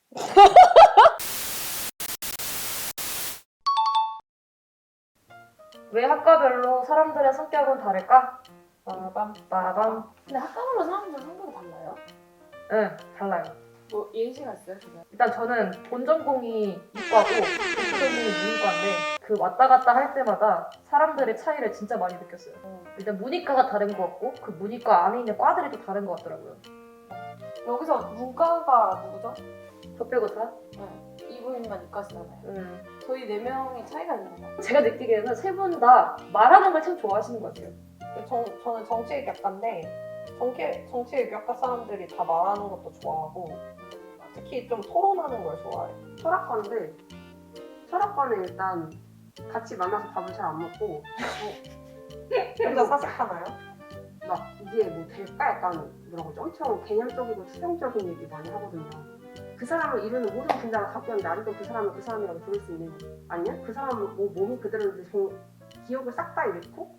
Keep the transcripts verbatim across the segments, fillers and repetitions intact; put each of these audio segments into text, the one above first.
왜 학과별로 사람들의 성격은 다를까? 빠밤. 빠밤. 근데 학과별로 사람들 성격이 달라요? 네, 달라요. 뭐 예시가 있어요? 그게? 일단 저는 본 전공이 이과고 본 전공이 문과인데 그 왔다 갔다 할 때마다 사람들의 차이를 진짜 많이 느꼈어요. 어. 일단 문이과가 다른 것 같고 그 문이과 안에 있는 과들이 또 다른 것 같더라고요. 여기서 문과가 누구죠? 저 빼고 다? 네. 이분만 이과시잖아요. 음. 저희 네 명이 차이가 있나요? 제가 느끼기에는 세 분 다 말하는 걸 참 좋아하시는 것 같아요. 정, 저는 정치외교학과인데 정치, 정치외교학과 사람들이 다 말하는 것도 좋아하고 특히 좀 토론하는 걸 좋아해요. 철학과인데 철학과는 일단 같이 만나서 밥을 잘 안 먹고 혼자 사색하나요? 막 이게 뭐 될까 약간 뭐라고 하지? 엄청 개념적이고 추상적인 얘기 많이 하거든요. 그 사람을 이루는 모든 분야가 갖고 있는데 아직도 그 사람은 그 사람이라고 부를 수 있는 아니면 그 사람은 뭐 몸이 그대로인데 정, 기억을 싹 다 잃고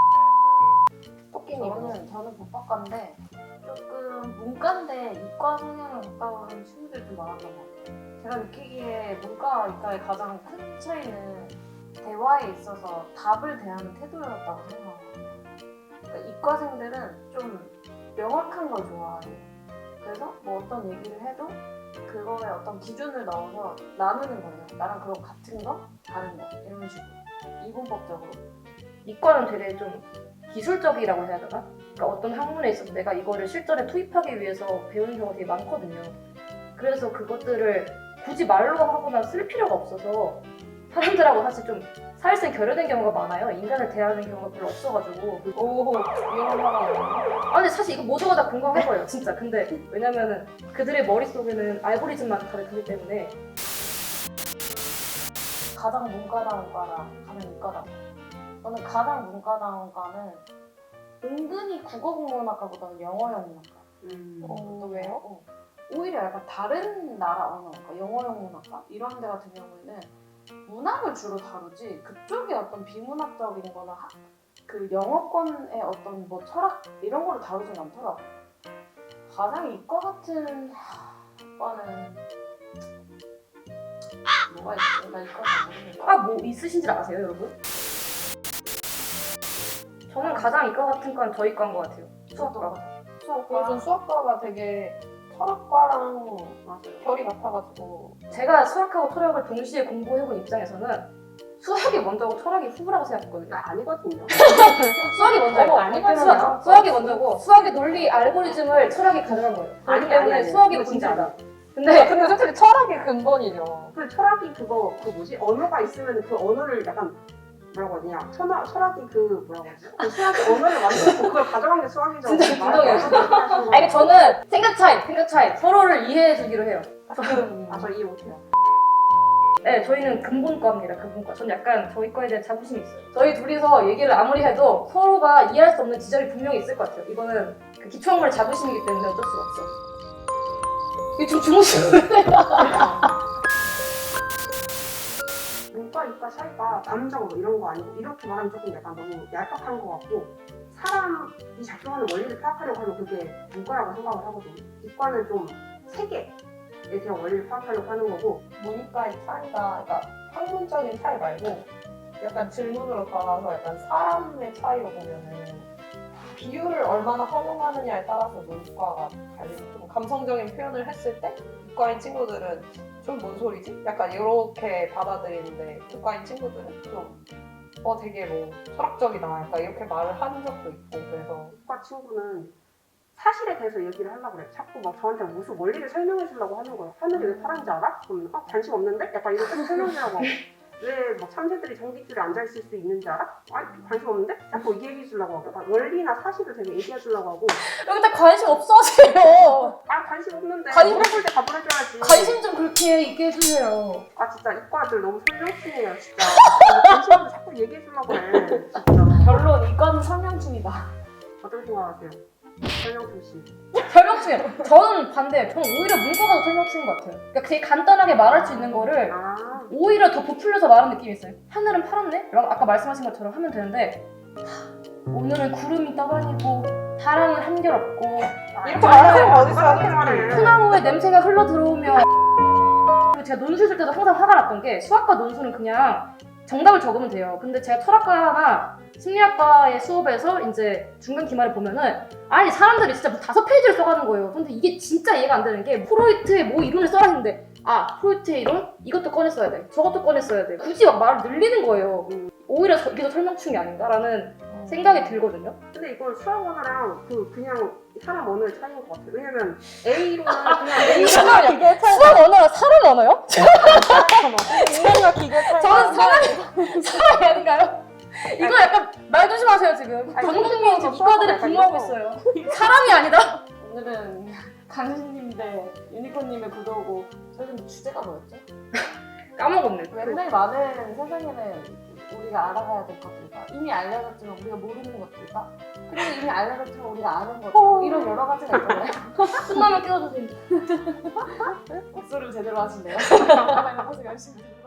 토끼님 저는 저는 법학과인데 조금 문과인데 이과 성향에 가까운 친구들이 좀 많았던 것 같아요. 제가 느끼기에 문과와 이과의 가장 큰 차이는 대화에 있어서 답을 대하는 태도였다고 생각해요. 그러니까 이과생들은 좀 명확한 걸 좋아해요. 그래서 뭐 어떤 얘기를 해도 그거에 어떤 기준을 넣어서 나누는 거예요. 나랑 그거 같은 거, 다른 거 이런 식으로 이분법적으로. 이과는 되게 좀 기술적이라고 해야 되나? 그러니까 어떤 학문에 있어서 내가 이거를 실전에 투입하기 위해서 배우는 경우가 되게 많거든요. 그래서 그것들을 굳이 말로 하거나 쓸 필요가 없어서 사람들하고 사실 좀 사실상 결여된 경우가 많아요. 인간을 대하는 경우가 별로 없어가지고. 오 이런 사람 아 근데 사실 이거 모두가 다 공감할 거예요, 진짜. 근데 왜냐면은 그들의 머릿속에는 알고리즘만 다르기 때문에. 가장 문과다운 과랑 가장 이과다운 과. 저는 가장 문과다운 과는 은근히 국어국문학과보다는 영어 영문학과. 음. 어, 왜요? 어. 오히려 약간 다른 나라 언어학과, 영어 영문학과 이런 데 같은 경우에는 문학을 주로 다루지 그쪽에 어떤 비문학적인 거나 학, 그 영어권의 어떤 뭐 철학 이런 거를 다루진 않더라고요. 가장 이과 같은 과는 뭐가 있지? 나 이과 잘 모르겠어. 과 뭐 있으신지 아세요, 여러분? 저는 가장 이과 같은 건 저희 과인 것 같아요. 수학과. 수학과 요즘 수학과가 되게 철학과랑 맞아요. 결이 같아가지고 제가 수학하고 철학을 동시에 공부해본 입장에서는 수학이 먼저고 철학이 후라고 생각했거든요. 아, 아니거든요. 수학이 먼저고 어, 아니거든요. 수학, 수학이 먼저고 수학의 논리 알고리즘을 철학이 가져간 거예요. 아니, 그렇기 때문에 아니, 아니. 수학이 그거 진짜 본질이다. 근데 근데 솔직히 철학이 근본이죠. 그 철학이 그거 그 뭐지? 언어가 있으면 그 언어를 약간 뭐라고 하냐? 철학, 철학이 그 뭐라고 하지? 그 수학의 언어를 만들고 그걸 가져간 게 수학이죠. 진짜 말이 진정해요. 없어서 그렇게 하신 아니 거예요. 저는 생각 차이, 생각 차이 서로를 이해해 주기로 해요. 아, 저 이해 못해요. 네, 저희는 근본과입니다. 근본과. 전 약간 저희 과에 대한 자부심이 있어요. 저희 둘이서 얘기를 아무리 해도 서로가 이해할 수 없는 지점이 분명히 있을 것 같아요. 이거는 그 기초학문의 자부심이기 때문에 어쩔 수가 없어. 이게 좀 주무시는 문과, 이과 차이가 감정 뭐 이런 거 아니고 이렇게 말하면 조금 약간 너무 얄팍한 것 같고 사람이 작동하는 원리를 파악하려고 하면 그게 문과라고 생각을 하거든요. 이과는 좀 세계에 대한 원리를 파악하려고 하는 거고 문과의 차이가 그러니까 학문적인 차이 말고 약간 질문으로 돌아서 약간 사람의 차이로 보면은 비유를 얼마나 허용하느냐에 따라서 문과가 갈리고 좀 감성적인 표현을 했을 때 이과인 친구들은 좀 뭔 소리지? 약간 이렇게 받아들이는데 이과인 친구들은 좀 어 되게 뭐 철학적이다 약간 이렇게 말을 하는 적도 있고 그래서 이과 친구는 사실에 대해서 얘기를 하려고 그래. 자꾸 막 저한테 무슨 원리를 설명해 주려고 하는 거예요. 하늘이 왜 파란지 알아? 그러면 아 관심 없는데? 약간 이렇게 설명하려고 하고 왜 막 참새들이 전깃줄에 앉아있을 수 있는지 알아? 아 관심 없는데? 자꾸 얘기해 주려고 하고 약간 원리나 사실을 되게 얘기해 주려고 하고 여기 다 관심 없어 하세요. 아 관심 없는데 관심- 물어볼 때 답을 해줘야지. 관심 좀 그렇게 있게 해주세요. 아 진짜 이과들 너무 설명충이에요 진짜. 관심 없는데 자꾸 얘기해 주려고 해 진짜. 결론 이과는 설명충이다. 어떻게 생각하세요? 설명충 씨. 설명충이에요. 저는 반대예요. 저는 오히려 문과가 더 설명충인 것 같아요. 그러니까 되게 간단하게 말할 수 있는 거를 아 오히려 더 부풀려서 말하는 느낌이 있어요. 하늘은 파랗네? 라고 아까 말씀하신 것처럼 하면 되는데 하, 오늘은 구름이 떠다니고 바람은 한결없고 이렇게 말하는 거 어딨어요 그렇게 말해. 소나무에 냄새가 흘러 들어오며 그리고 제가 논술 쓸 때도 항상 화가 났던 게 수학과 논술은 그냥 정답을 적으면 돼요. 근데 제가 철학과나 심리학과의 수업에서 이제 중간 기말을 보면은 아니 사람들이 진짜 뭐 다섯 페이지를 써가는 거예요. 근데 이게 진짜 이해가 안 되는 게 프로이트의 뭐 이론을 써라 했는데 아 프로이트의 이론? 이것도 꺼냈어야 돼. 저것도 꺼냈어야 돼. 굳이 막 말을 늘리는 거예요. 오히려 저- 이게 더 설명충이 아닌가라는 생각이 들거든요. 근데 이건 수학 언어랑 그 그냥 사람 언어의 차이인 것 같아요. 왜냐면 A로는 그냥 A 수학 기계 차이. 수학 언어가 사람 언어요? 인간과 기계 차이. 저는 사람이 사람이 아닌가요? 이거 약간 말 조심하세요 지금. 아니, 전 국민이 지금 수학과 이과들을 약간 분노하고 이런 있어요. 사람이 아니다. 오늘은 강신님 대 유니콘님의 구도고 저희는 주제가 뭐였죠? 까먹었네. 맨날 많은 세상에는 우리가 알아가야 될 것들과 이미 알려졌지만 우리가 모르는 것들과 그리고 이미 알려졌지만 우리가 아는 것들 이런 여러 가지가 있잖아요. 끝나면 깨워주세요. 목소리를 제대로 하시네요. 가만히 보세요 열심히.